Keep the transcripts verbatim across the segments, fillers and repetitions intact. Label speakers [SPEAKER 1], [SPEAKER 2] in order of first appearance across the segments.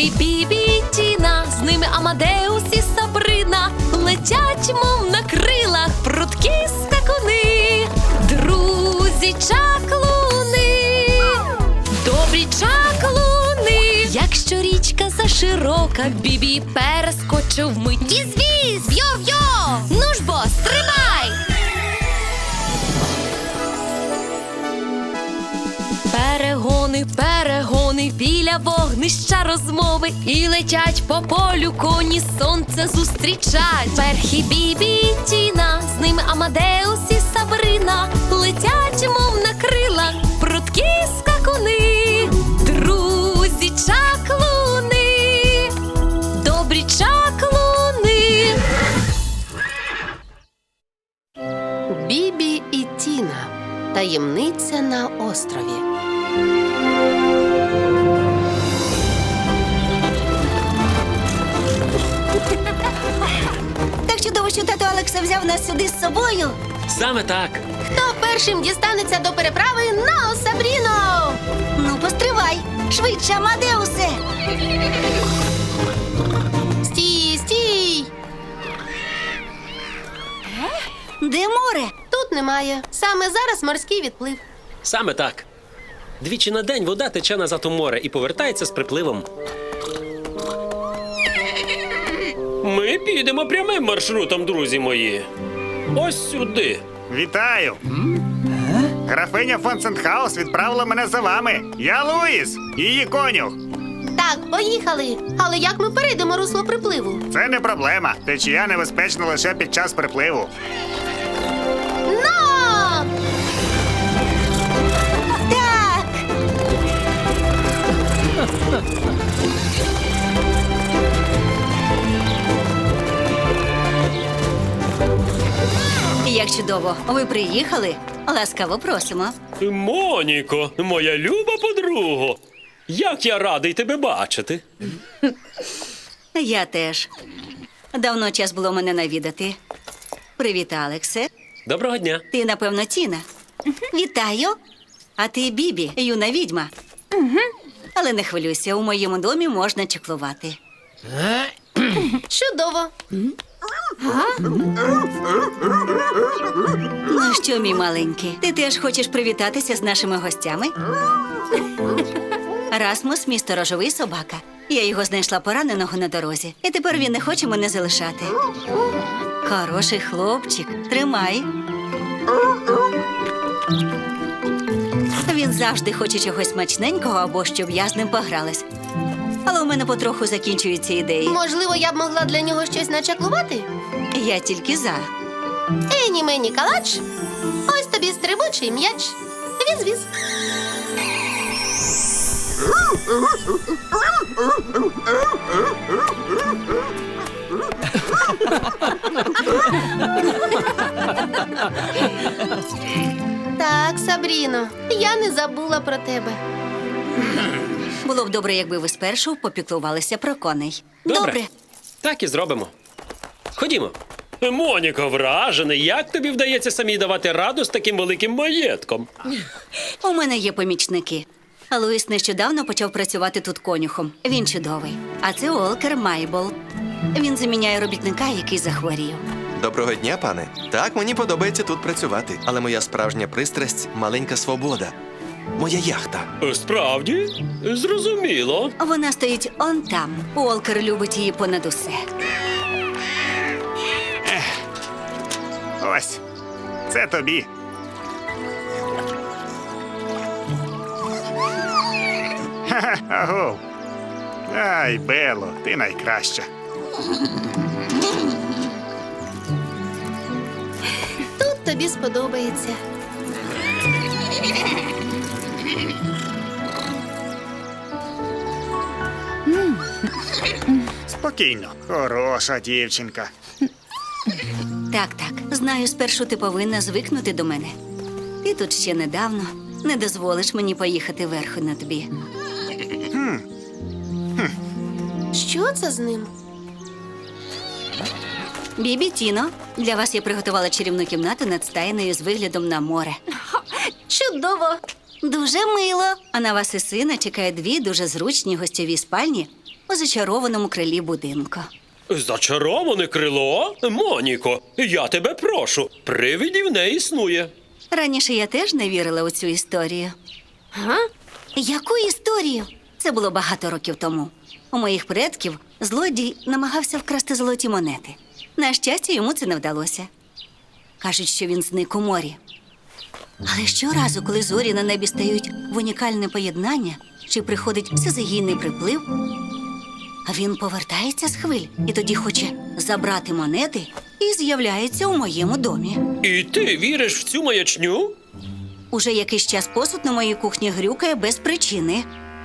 [SPEAKER 1] Перхі, Бібі і Тіна, з ними Амадеус і Сабрина. Летять, мов на крилах, прудкі скакуни. Друзі чаклуни, добрі чаклуни. Якщо річка заширока, Бібі перескочив вмить. Віз-віз, йо-йо, ну ж бо, стримай! Перегони, перегони, біля вогнища розмови. І летять по полю коні, сонце зустрічать. Перхі, Бібі і Тіна, з ними Амадеус і Сабрина. Летять, мов на крилах, прудкі скакуни. Друзі чаклуни, добрі чаклуни.
[SPEAKER 2] Бібі і Тіна. Таємниця на острові.
[SPEAKER 3] Так чудово, що тато Алекса взяв нас сюди з собою.
[SPEAKER 4] Саме так.
[SPEAKER 2] Хто першим дістанеться до переправи на Сабріно?
[SPEAKER 3] Ну, постривай. Швидше, Амадеусе.
[SPEAKER 2] Стій, стій!
[SPEAKER 3] Де море?
[SPEAKER 2] Тут немає. Саме зараз морський відплив.
[SPEAKER 4] Саме так. Двічі на день вода тече назад у море і повертається з припливом. Ми підемо прямим маршрутом, друзі мої. Ось сюди.
[SPEAKER 5] Вітаю! Графиня фон Сентхаус відправила мене за вами. Я Луїс, її конюх.
[SPEAKER 2] Так, поїхали. Але як ми перейдемо русло припливу?
[SPEAKER 5] Це не проблема. Течія небезпечна лише під час припливу.
[SPEAKER 2] Но!
[SPEAKER 3] Так. Як чудово. Ви приїхали? Ласкаво просимо.
[SPEAKER 4] Моніко, моя люба подруго. Як я радий тебе бачити.
[SPEAKER 3] Я теж. Давно час було мене навідати. Привіт, Алексе.
[SPEAKER 4] Доброго дня.
[SPEAKER 3] Ти, напевно, Тіна. Вітаю. А ти Бібі, юна відьма. Але не хвилюйся, у моєму домі можна чеклувати.
[SPEAKER 2] Чудово.
[SPEAKER 3] Ну що, мій маленький, ти теж хочеш привітатися з нашими гостями? Расмус, мій сторожовий собака. Я його знайшла пораненого на дорозі. І тепер він не хоче мене залишати. Хороший хлопчик, тримай. Він завжди хоче чогось смачненького або щоб я з ним погралась. Але у мене потроху закінчуються ідеї.
[SPEAKER 2] Можливо, я б могла для нього щось начаклувати?
[SPEAKER 3] Я тільки за.
[SPEAKER 2] Ені мені калач. Ось тобі стрибучий м'яч. Віз-віз. Так, Сабріно, я не забула про тебе.
[SPEAKER 3] Було б добре, якби ви спершу попіклувалися про коней.
[SPEAKER 4] Добре. Так і зробимо. Ходімо. Моніко, вражений, як тобі вдається самій давати раду з таким великим маєтком?
[SPEAKER 3] У мене є помічники. А Луїс нещодавно почав працювати тут конюхом. Він чудовий. А це Уолкер Майбол. Він заміняє робітника, який захворів.
[SPEAKER 6] Доброго дня, пане. Так, мені подобається тут працювати. Але моя справжня пристрасть – маленька свобода. Моя яхта.
[SPEAKER 4] Справді? Зрозуміло.
[SPEAKER 3] Вона стоїть он там. Уолкер любить її понад усе.
[SPEAKER 5] Ось. Це тобі. Ха-ха, агов. Ай, Бело, ти найкраща.
[SPEAKER 2] Тут тобі сподобається.
[SPEAKER 5] Спокійно. Хороша дівчинка.
[SPEAKER 3] Так, так. Знаю, спершу ти повинна звикнути до мене. Ти тут ще недавно. Не дозволиш мені поїхати верху на тобі.
[SPEAKER 2] Що це з ним?
[SPEAKER 3] Бібі, Тіно, для вас я приготувала чарівну кімнату над стайнею з виглядом на море.
[SPEAKER 2] Чудово!
[SPEAKER 3] Дуже мило. А на вас і сина чекає дві дуже зручні гостьові спальні у зачарованому крилі будинку.
[SPEAKER 4] Зачароване крило? Моніко, я тебе прошу, привидів не існує.
[SPEAKER 3] Раніше я теж не вірила у цю історію.
[SPEAKER 2] Га?
[SPEAKER 3] Яку історію? Це було багато років тому. У моїх предків злодій намагався вкрасти золоті монети. На щастя, йому це не вдалося. Кажуть, що він зник у морі. Але щоразу, коли зорі на небі стають в унікальне поєднання, чи приходить всезагійний приплив, а він повертається з хвиль і тоді хоче забрати монети і з'являється у моєму домі.
[SPEAKER 4] І ти віриш в цю маячню?
[SPEAKER 3] Уже якийсь час посуд на моїй кухні грюкає без причини.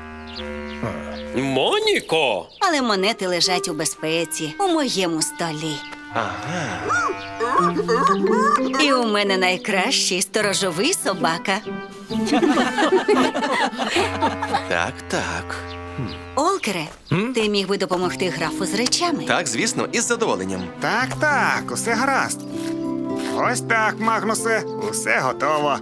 [SPEAKER 4] Моніко!
[SPEAKER 3] Але монети лежать у безпеці у моєму столі.
[SPEAKER 6] Ага.
[SPEAKER 3] І у мене найкращий сторожовий собака.
[SPEAKER 6] Так, так.
[SPEAKER 3] Олкере, ти міг би допомогти графу з речами?
[SPEAKER 6] Так, звісно, із задоволенням.
[SPEAKER 5] Так, так, усе гаразд. Ось так, Магнусе, усе готово.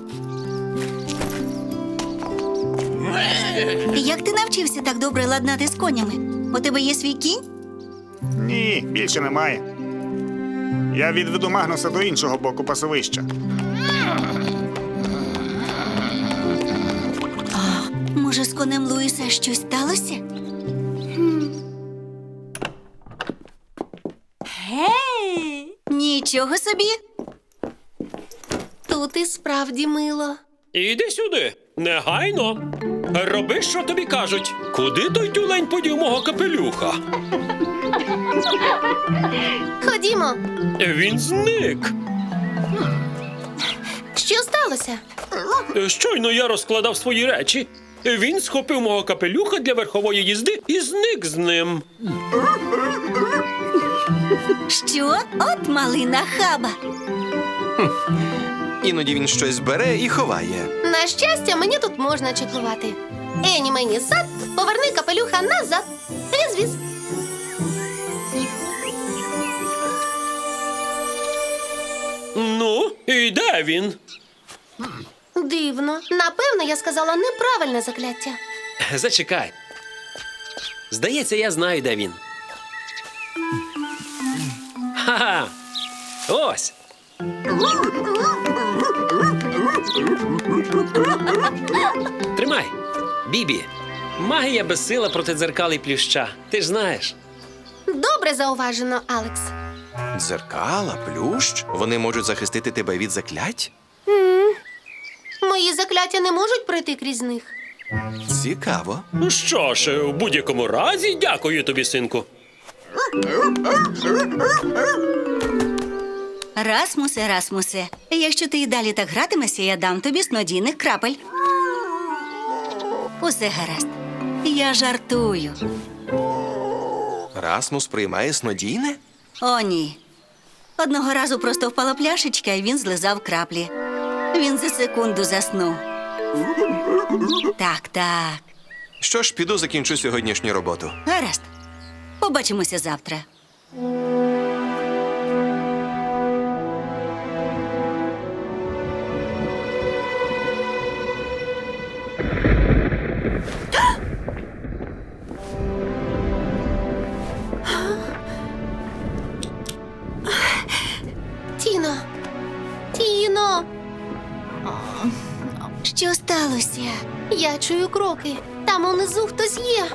[SPEAKER 3] Як ти навчився так добре ладнати з конями? У тебе є свій кінь?
[SPEAKER 5] Ні, більше немає. Я відведу Магнуса до іншого боку пасовища.
[SPEAKER 3] Може, з конем Луїса щось сталося? Гей! Нічого собі.
[SPEAKER 2] Тут і справді мило.
[SPEAKER 4] Іди сюди, негайно. Роби, що тобі кажуть. Куди той тюлень подів мого капелюха?
[SPEAKER 2] Ходімо.
[SPEAKER 4] Він зник.
[SPEAKER 2] Що сталося?
[SPEAKER 4] Щойно я розкладав свої речі. Він схопив мого капелюха для верхової їзди і зник з ним.
[SPEAKER 3] Що? От малина хаба.
[SPEAKER 6] Іноді він щось бере і ховає.
[SPEAKER 2] На щастя, мені тут можна чеклувати. Ені мені зад, поверни капелюха назад. Віз-віз.
[SPEAKER 4] Ну, і де він?
[SPEAKER 2] Дивно. Напевно, я сказала неправильне закляття.
[SPEAKER 4] Зачекай. Здається, я знаю, де він. Ха-ха! Ось. Тримай, Бібі. Магія безсила проти дзеркал і плюща. Ти ж знаєш.
[SPEAKER 2] Добре зауважено, Алекс.
[SPEAKER 6] Дзеркала, плющ. Вони можуть захистити тебе від заклять?
[SPEAKER 2] Мої закляття не можуть пройти крізь них.
[SPEAKER 6] Цікаво.
[SPEAKER 4] Ну що ж, у будь-якому разі, дякую тобі, синку.
[SPEAKER 3] Расмусе, Расмусе, якщо ти і далі так гратимешся, я дам тобі снодійних крапель. Усе гаразд. Я жартую.
[SPEAKER 6] Расмус приймає снодійне?
[SPEAKER 3] О, ні. Одного разу просто впала пляшечка, і він злизав краплі. Він за секунду заснув. Так, так.
[SPEAKER 6] Що ж, піду закінчу сьогоднішню роботу.
[SPEAKER 3] Гаразд. Побачимося завтра.
[SPEAKER 2] Тіно. Тіно.
[SPEAKER 3] Що сталося?
[SPEAKER 2] Я чую кроки. Там унизу хтось є.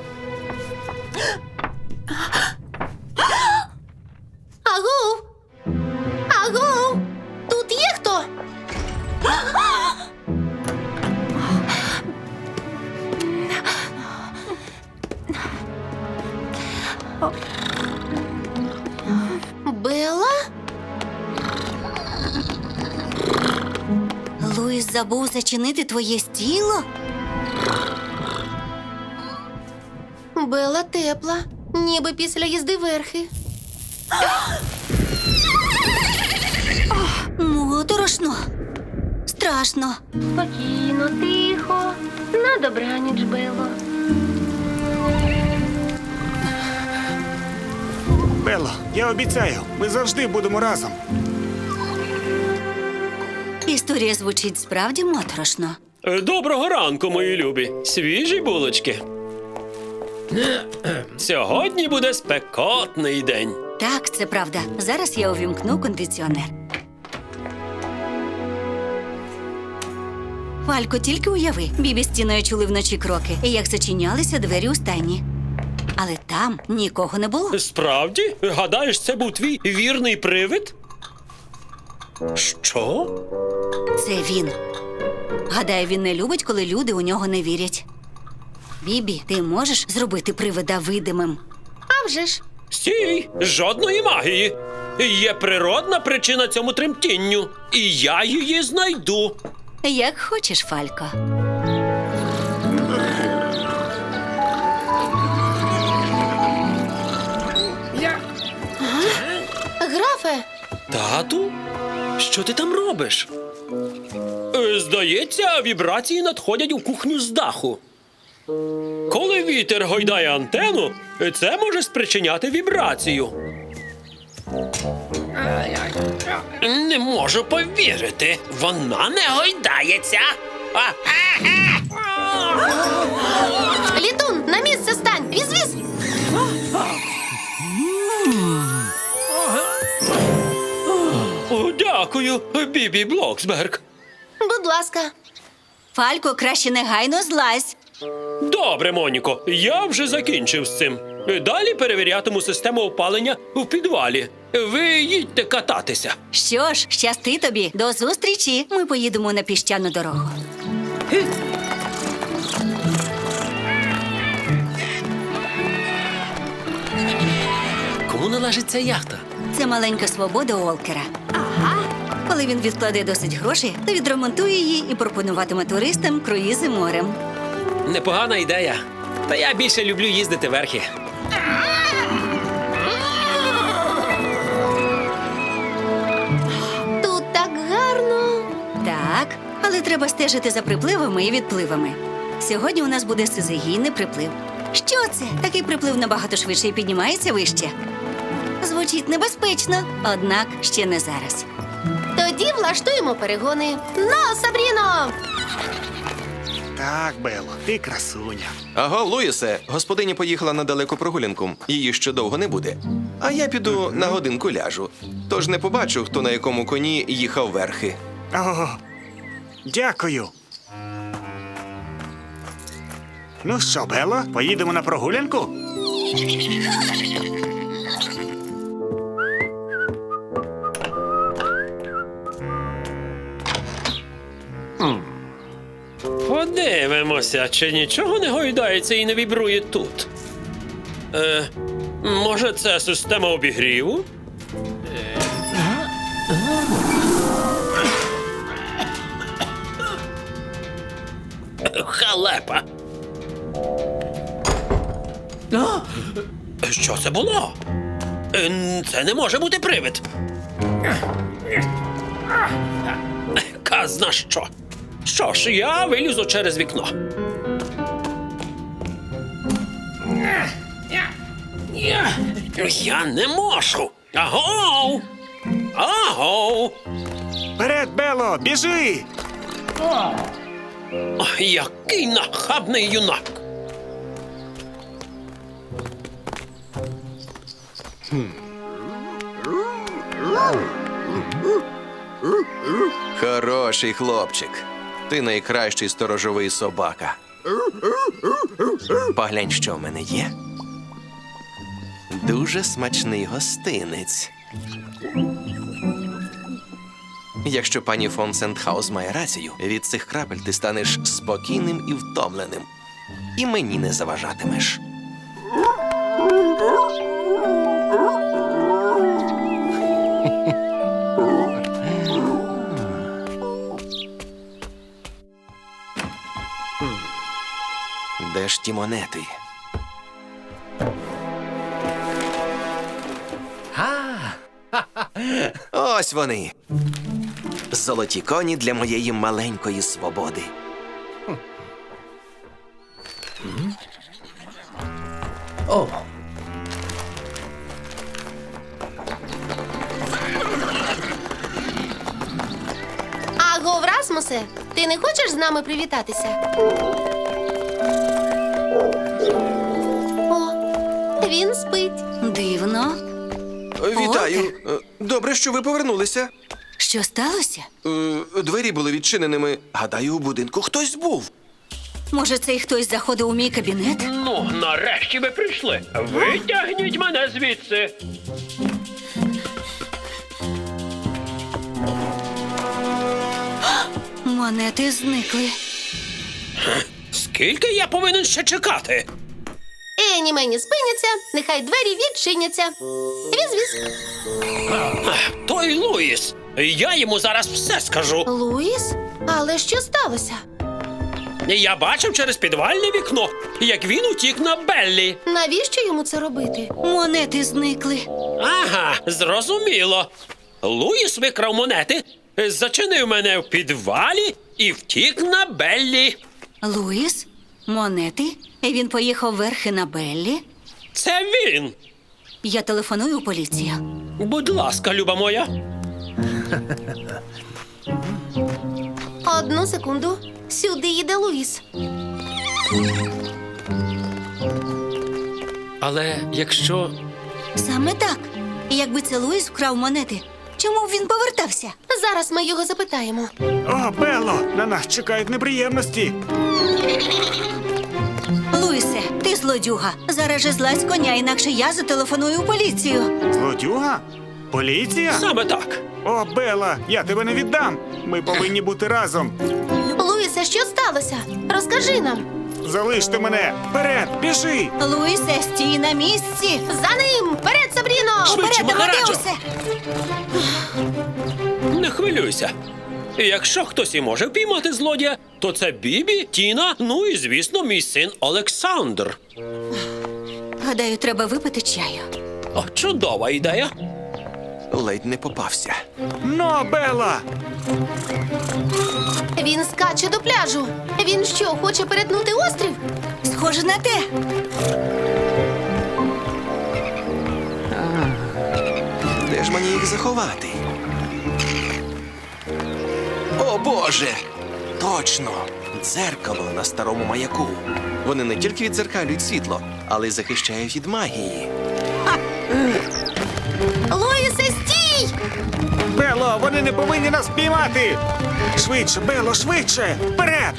[SPEAKER 2] Агов! Агов! Тут є хто? Белла?
[SPEAKER 3] Луїс забув зачинити твоє стіло?
[SPEAKER 2] Белла тепла, ніби після їзди верхи.
[SPEAKER 3] Моторошно. Страшно.
[SPEAKER 2] Спокійно, тихо. На добраніч, Белло.
[SPEAKER 5] Белло, я обіцяю, ми завжди будемо разом.
[SPEAKER 3] Історія звучить справді моторошно.
[SPEAKER 4] Доброго ранку, мої любі. Свіжі булочки. Сьогодні буде спекотний день.
[SPEAKER 3] Так, це правда. Зараз я увімкну кондиціонер. Фалько, тільки уяви, Бібі з Тіною чули вночі кроки, і як зачинялися двері у стайні. Але там нікого не було.
[SPEAKER 4] Справді? Гадаєш, це був твій вірний привид? Що?
[SPEAKER 3] Це він. Гадаю, він не любить, коли люди у нього не вірять. Бібі, ти можеш зробити привида видимим?
[SPEAKER 2] А вже ж.
[SPEAKER 4] Стій! Жодної магії. Є природна причина цьому тремтінню. І я її знайду.
[SPEAKER 3] Як хочеш, Фалько.
[SPEAKER 2] Графе,
[SPEAKER 4] Тату? Що ти там робиш? Е, Здається, вібрації надходять у кухню з даху. Коли вітер гойдає антену, це може спричиняти вібрацію. Не можу повірити. Вона не гойдається. А,
[SPEAKER 2] літун, на місце стань! Віз-віз!
[SPEAKER 4] о, дякую, Бібі Блоксберг.
[SPEAKER 2] Будь ласка.
[SPEAKER 3] Фалько, краще негайно злазь.
[SPEAKER 4] Добре, Моніко, я вже закінчив з цим. Далі перевірятиму систему опалення в підвалі. Ви їдьте кататися.
[SPEAKER 3] Що ж, щасти тобі. До зустрічі. Ми поїдемо на піщану дорогу.
[SPEAKER 4] Кому належить ця яхта?
[SPEAKER 3] Це маленька свобода Олкера. Ага. Коли він відкладе досить грошей, то відремонтує її і пропонуватиме туристам круїзи морем.
[SPEAKER 4] Непогана ідея. Та я більше люблю їздити верхи.
[SPEAKER 2] Тут так гарно.
[SPEAKER 3] Так, але треба стежити за припливами і відпливами. Сьогодні у нас буде сизигійний приплив. Що це? Такий приплив набагато швидше і піднімається вище. Звучить небезпечно, однак ще не зараз.
[SPEAKER 2] Тоді влаштуємо перегони. Ну, Сабріно!
[SPEAKER 5] Так, Бело, ти красуня.
[SPEAKER 6] Аго, Луїсе, господиня поїхала на далеку прогулянку. Її ще довго не буде. А я піду на годинку ляжу. Тож не побачу, хто на якому коні їхав верхи.
[SPEAKER 5] О, дякую. Ну що, Бело, поїдемо на прогулянку?
[SPEAKER 4] Подивимося, чи нічого не гойдається і не вібрує тут. Е, може, це система обігріву? Халепа. Що це було? Е, Це не може бути привид. Казна що. Що ж, я вилізу через вікно. Я не можу. Агоу! Агоу!
[SPEAKER 5] Вперед, Бело, біжи!
[SPEAKER 4] Ой, який нахабний юнак!
[SPEAKER 6] Хороший хлопчик. Ти найкращий сторожовий собака. Поглянь, що в мене є. Дуже смачний гостинець. Якщо пані фон Сентхаус має рацію, від цих крапель ти станеш спокійним і втомленим. І мені не заважатимеш. Де ж ті монети? Ось вони. Золоті коні для моєї маленької свободи.
[SPEAKER 2] Аго, Расмусе, ти не хочеш з нами привітатися? Він спить.
[SPEAKER 3] Дивно.
[SPEAKER 6] Вітаю. Е, Добре, що ви повернулися.
[SPEAKER 3] Що сталося?
[SPEAKER 6] Е, Двері були відчиненими. Гадаю, у будинку хтось був.
[SPEAKER 3] Може, цей хтось заходив у мій кабінет?
[SPEAKER 4] Ну, нарешті ви прийшли. Витягніть мене звідси.
[SPEAKER 3] Монети зникли.
[SPEAKER 4] Скільки я повинен ще чекати?
[SPEAKER 2] Ені мені спиняться, нехай двері відчиняться. Віз-віз.
[SPEAKER 4] Той Луїс. Я йому зараз все скажу.
[SPEAKER 2] Луїс? Але що сталося?
[SPEAKER 4] Я бачив через підвальне вікно, як він утік на Беллі.
[SPEAKER 2] Навіщо йому це робити?
[SPEAKER 3] Монети зникли.
[SPEAKER 4] Ага, зрозуміло. Луїс викрав монети, зачинив мене в підвалі і втік на Беллі.
[SPEAKER 3] Луїс? Монети? І він поїхав верхи на Беллі?
[SPEAKER 4] Це він.
[SPEAKER 3] Я телефоную у поліцію.
[SPEAKER 4] Будь ласка, люба моя.
[SPEAKER 2] Одну секунду. Сюди їде Луїс.
[SPEAKER 4] Але якщо...
[SPEAKER 3] Саме так. І якби це Луїс вкрав монети, чому б він повертався?
[SPEAKER 2] Зараз ми його запитаємо.
[SPEAKER 5] О, Белло, на нас чекають неприємності.
[SPEAKER 3] Луїсе, ти злодюга. Зараз же злазь з коня, інакше я зателефоную у поліцію.
[SPEAKER 5] Злодюга? Поліція?
[SPEAKER 4] Саме так.
[SPEAKER 5] О, Белла, я тебе не віддам. Ми повинні бути разом.
[SPEAKER 2] Луїсе, що сталося? Розкажи нам.
[SPEAKER 5] Залиште мене. Вперед, біжи.
[SPEAKER 3] Луїсе, стій на місці.
[SPEAKER 2] За ним! Вперед, Сабріно!
[SPEAKER 4] Швидше,
[SPEAKER 3] Вперед,
[SPEAKER 4] Махараджо!
[SPEAKER 3] Амадеусе!
[SPEAKER 4] Не хвилюйся. Якщо хтось і може впіймати злодія, то це Бібі, Тіна, ну і, звісно, мій син Олександр.
[SPEAKER 3] Гадаю, треба випити чаю.
[SPEAKER 4] О, чудова ідея.
[SPEAKER 6] Ледь не попався.
[SPEAKER 5] Ну, Белла!
[SPEAKER 2] Він скаче до пляжу. Він що, хоче перетнути острів?
[SPEAKER 3] Схоже на те.
[SPEAKER 6] Де ж мені їх заховати? О, Боже! Точно! Дзеркало на старому маяку. Вони не тільки віддзеркалюють світло, але й захищають від магії.
[SPEAKER 2] Луїсе, стій!
[SPEAKER 5] Белло, вони не повинні нас піймати! Швидше, Белло, швидше! Вперед!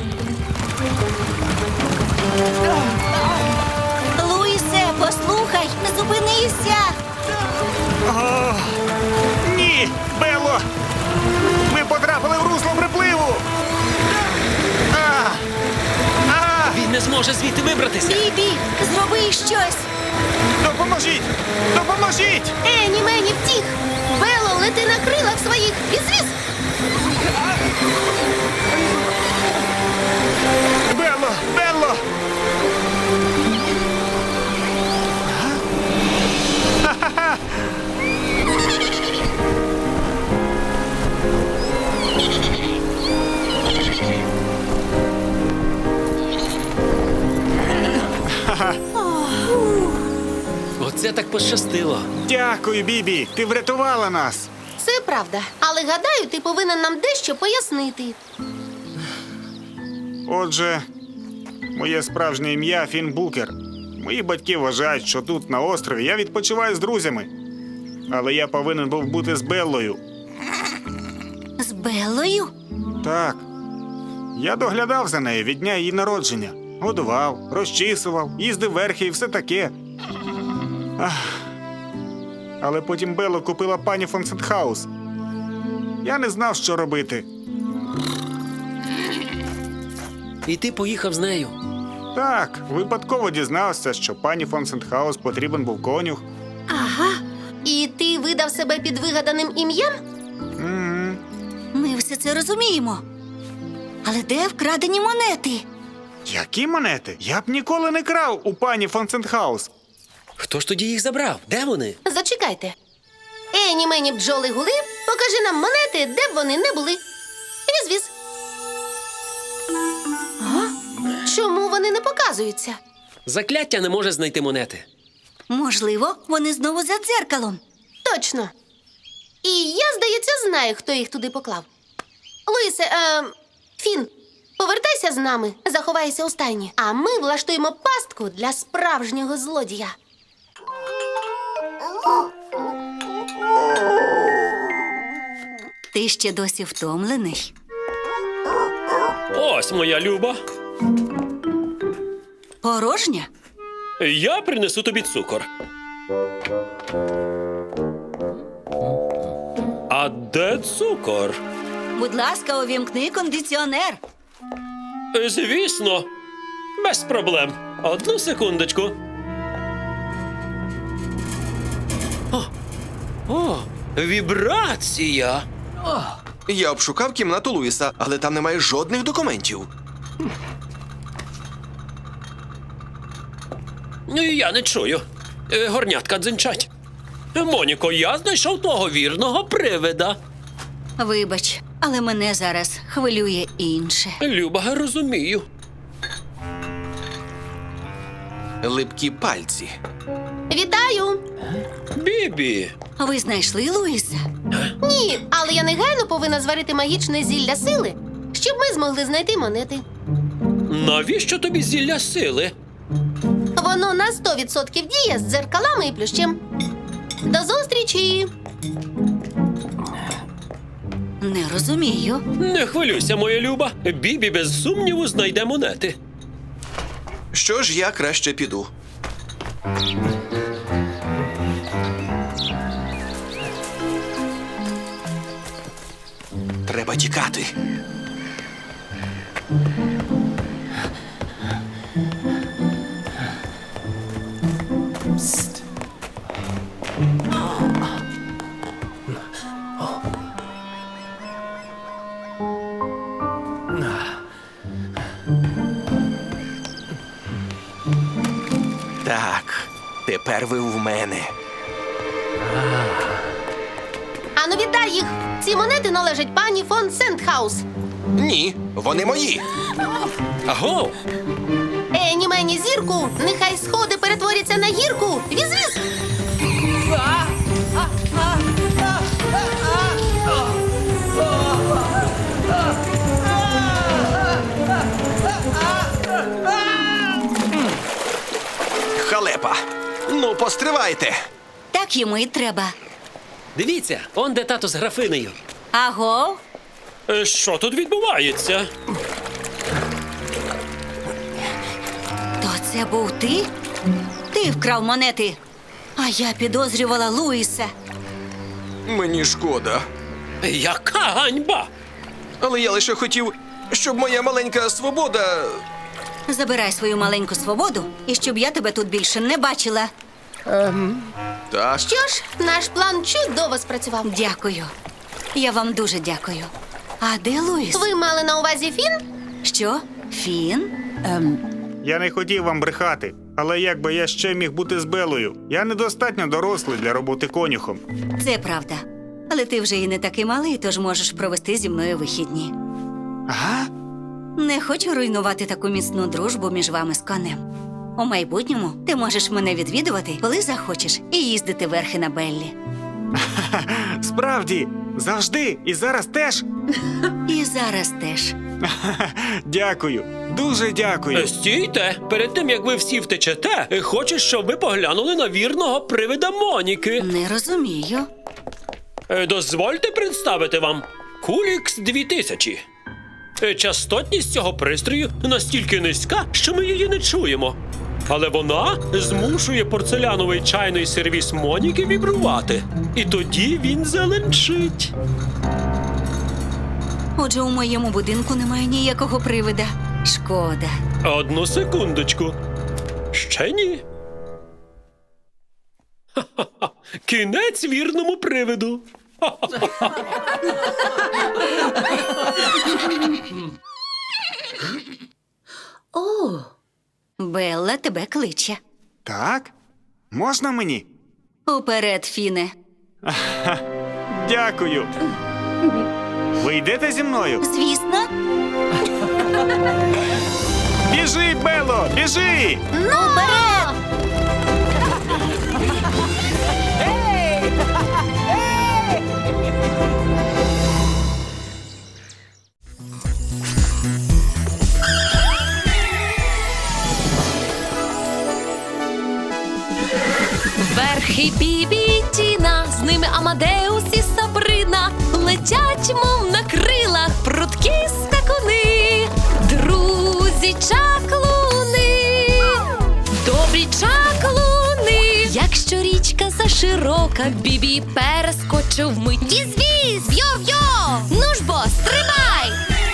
[SPEAKER 3] Луїсе, послухай, не зупинися.
[SPEAKER 5] О, ні, Белло! Ми потрапили в русло припливу! А! А!
[SPEAKER 4] Він не зможе звідти вибратися.
[SPEAKER 3] Бібі, зроби щось.
[SPEAKER 5] Допоможіть! Допоможіть!
[SPEAKER 2] Ені мені втік! Бело, лети на крилах своїх! Віз-віз!
[SPEAKER 5] Белло! Белло! Ха-ха-ха!
[SPEAKER 4] Оце так пощастило.
[SPEAKER 5] Дякую, Бібі! Ти врятувала нас!
[SPEAKER 2] Це правда. Але гадаю, ти повинен нам дещо пояснити.
[SPEAKER 5] Отже, моє справжнє ім'я Фін Букер. Мої батьки вважають, що тут, на острові, я відпочиваю з друзями. Але я повинен був бути з Беллою.
[SPEAKER 3] З Беллою?
[SPEAKER 5] Так. Я доглядав за нею від дня її народження. Годував, розчісував, їздив верхи і все таке. Ах. Але потім Белло купила пані фон Сентхаус. Я не знав, що робити.
[SPEAKER 4] І ти поїхав з нею.
[SPEAKER 5] Так, випадково дізнався, що пані фон Сентхаус потрібен був конюх.
[SPEAKER 2] Ага. І ти видав себе під вигаданим ім'ям?
[SPEAKER 5] М-м.
[SPEAKER 3] Ми все це розуміємо. Але де вкрадені монети?
[SPEAKER 5] Які монети? Я б ніколи не крав у пані фон Сентхаус.
[SPEAKER 4] Хто ж тоді їх забрав? Де вони?
[SPEAKER 2] Зачекайте. Ені мені бджоли гули, покажи нам монети, де б вони не були. Віз-віз. А? Чому вони не показуються?
[SPEAKER 4] Закляття не може знайти монети.
[SPEAKER 3] Можливо, вони знову за дзеркалом.
[SPEAKER 2] Точно. І я, здається, знаю, хто їх туди поклав. Луїсе, е, Фін, повертайся з нами, заховайся у стайні, а ми влаштуємо пастку для справжнього злодія.
[SPEAKER 3] Ти ще досі втомлений?
[SPEAKER 4] Ось моя Люба.
[SPEAKER 3] Порожня?
[SPEAKER 4] Я принесу тобі цукор. А де цукор?
[SPEAKER 3] Будь ласка, увімкни кондиціонер.
[SPEAKER 4] Звісно, без проблем. Одну секундочку. О, о вібрація.
[SPEAKER 6] Я обшукав кімнату Луїса, але там немає жодних документів.
[SPEAKER 4] Я не чую. Е, Горнятка дзенчать. Моніко, я знайшов того вірного привида.
[SPEAKER 3] Вибач, але мене зараз хвилює інше.
[SPEAKER 4] Люба, розумію.
[SPEAKER 6] Липкі пальці.
[SPEAKER 2] Вітаю!
[SPEAKER 4] Бібі.
[SPEAKER 3] Ви знайшли Луїса?
[SPEAKER 2] Ні, але я негайно повинна зварити магічне зілля сили, щоб ми змогли знайти монети.
[SPEAKER 4] Навіщо тобі зілля сили?
[SPEAKER 2] Воно на сто відсотків діє з дзеркалами і плющем. До зустрічі!
[SPEAKER 3] Не розумію.
[SPEAKER 4] Не хвилюйся, моя Люба. Бібі без сумніву знайде монети.
[SPEAKER 6] Що ж, я краще піду. Треба тікати. Так, тепер ви в мене.
[SPEAKER 2] Ану, вітай їх! Ці монети належать пані фон Сентхаус.
[SPEAKER 6] Ні, вони мої.
[SPEAKER 4] Аго!
[SPEAKER 2] Ені мені зірку, нехай сходи перетворяться на гірку. Віз-віз!
[SPEAKER 6] Халепа. Ну, постривайте.
[SPEAKER 3] Так йому і треба.
[SPEAKER 4] Дивіться, он де тато з графинею.
[SPEAKER 3] Аго?
[SPEAKER 4] Е, Що тут відбувається?
[SPEAKER 3] То це був ти? Ти вкрав монети. А я підозрювала Луїса.
[SPEAKER 6] Мені шкода.
[SPEAKER 4] Яка ганьба!
[SPEAKER 6] Але я лише хотів, щоб моя маленька свобода.
[SPEAKER 3] Забирай свою маленьку свободу, і щоб я тебе тут більше не бачила.
[SPEAKER 6] Так.
[SPEAKER 2] Що ж, наш план чудово спрацював.
[SPEAKER 3] Дякую. Я вам дуже дякую. А де Луїс?
[SPEAKER 2] Ви мали на увазі Фін?
[SPEAKER 3] Що? Фін?
[SPEAKER 5] Я не хотів вам брехати, але як би я ще міг бути з Белою? Я недостатньо дорослий для роботи конюхом.
[SPEAKER 3] Це правда. Але ти вже і не такий малий, тож можеш провести зі мною вихідні.
[SPEAKER 5] Ага?
[SPEAKER 3] Не хочу руйнувати таку міцну дружбу між вами з конем. У майбутньому ти можеш мене відвідувати, коли захочеш, і їздити верхи на Беллі.
[SPEAKER 5] Справді, завжди і зараз теж.
[SPEAKER 3] І зараз теж.
[SPEAKER 5] Дякую, дуже дякую.
[SPEAKER 4] Е, Стійте! Перед тим, як ви всі втечете, е, хочу, щоб ви поглянули на вірного привида Моніки.
[SPEAKER 3] Не розумію.
[SPEAKER 4] Е, Дозвольте представити вам Кулікс дві тисячі. Е, Частотність цього пристрою настільки низька, що ми її не чуємо. Але вона змушує порцеляновий чайний сервіс Моніки вібрувати. І тоді він зеленчить.
[SPEAKER 3] Отже, у моєму будинку немає ніякого привида. Шкода.
[SPEAKER 4] Одну секундочку. Ще ні. Ха-ха-ха. Кінець вірному привиду.
[SPEAKER 3] Белла тебе кличе.
[SPEAKER 5] Так? Можна мені?
[SPEAKER 3] Уперед, Фіне.
[SPEAKER 5] Дякую. Ви йдете зі мною?
[SPEAKER 3] Звісно.
[SPEAKER 5] Біжи, Бело, біжи!
[SPEAKER 2] Ну, вперед!
[SPEAKER 1] Верхи Бібі і Тіна, з ними Амадеус і Сабрина, летять, мов на крилах, прудкі скакуни, друзі чаклуни, добрі чаклуни. Якщо річка заширока, Бібі перескочив мить. Віз-віз, йо-йо, ну ж бо, стрибай!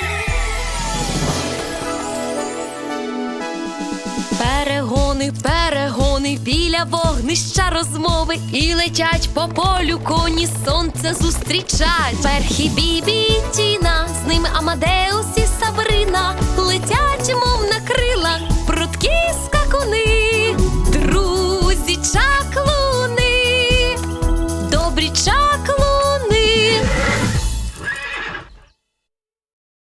[SPEAKER 1] Перегони, перегони, біля вогнища розмови, і летять по полю коні, сонце зустрічать. Верхи Бібі і Тіна, з ними